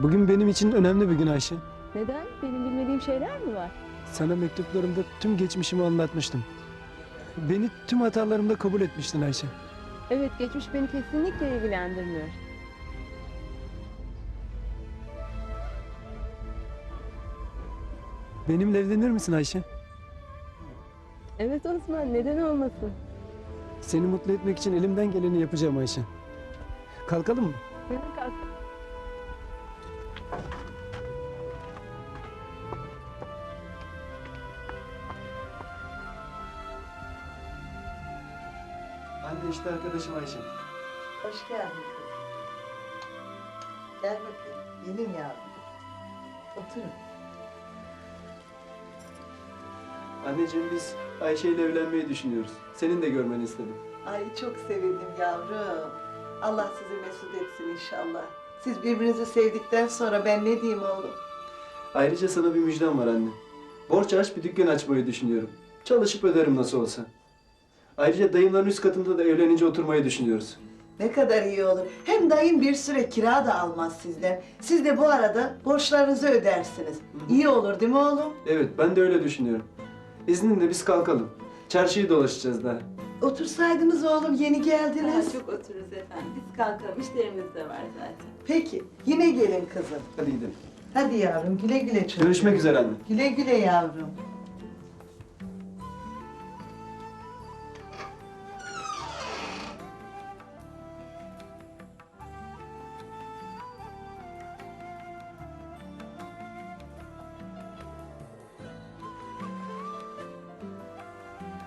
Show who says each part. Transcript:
Speaker 1: Bugün benim için önemli bir gün Ayşe.
Speaker 2: Neden? Benim bilmediğim şeyler mi var?
Speaker 1: Sana mektuplarımda tüm geçmişimi anlatmıştım. Beni tüm hatalarımda kabul etmiştin Ayşe.
Speaker 2: Evet, geçmiş beni kesinlikle ilgilendirmiyor.
Speaker 1: Benimle evlenir misin Ayşe?
Speaker 2: Evet Osman, neden olmasın?
Speaker 1: Seni mutlu etmek için elimden geleni yapacağım Ayşe. Kalkalım mı?
Speaker 2: Kalk.
Speaker 1: Ben de işte arkadaşım Ayşe.
Speaker 3: Hoş geldin kızım. Gel bakayım. Gelin yavrum. Oturun.
Speaker 1: Anneciğim biz Ayşe ile evlenmeyi düşünüyoruz. Senin de görmeni istedim.
Speaker 3: Ay çok sevindim yavrum. Allah sizi mesut etsin inşallah. Siz birbirinizi sevdikten sonra ben ne diyeyim oğlum?
Speaker 1: Ayrıca sana bir müjdem var anne. Borç aç bir dükkan açmayı düşünüyorum. Çalışıp öderim nasıl olsa. Ayrıca dayımların üst katında da evlenince oturmayı düşünüyoruz.
Speaker 3: Ne kadar iyi olur. Hem dayın bir süre kira da almaz sizden. Siz de bu arada borçlarınızı ödersiniz. İyi olur değil mi oğlum?
Speaker 1: Evet ben de öyle düşünüyorum. İzninle biz kalkalım. Çarşıyı dolaşacağız daha.
Speaker 3: Otursaydınız oğlum, yeni geldiniz.
Speaker 4: Çok otururuz efendim. Biz kalkalım. İşlerimiz de var zaten.
Speaker 3: Peki, yine gelin kızım.
Speaker 1: Hadi gidelim.
Speaker 3: Hadi yavrum, güle güle çocuğum.
Speaker 1: Görüşmek üzere anne.
Speaker 3: Güle güle yavrum.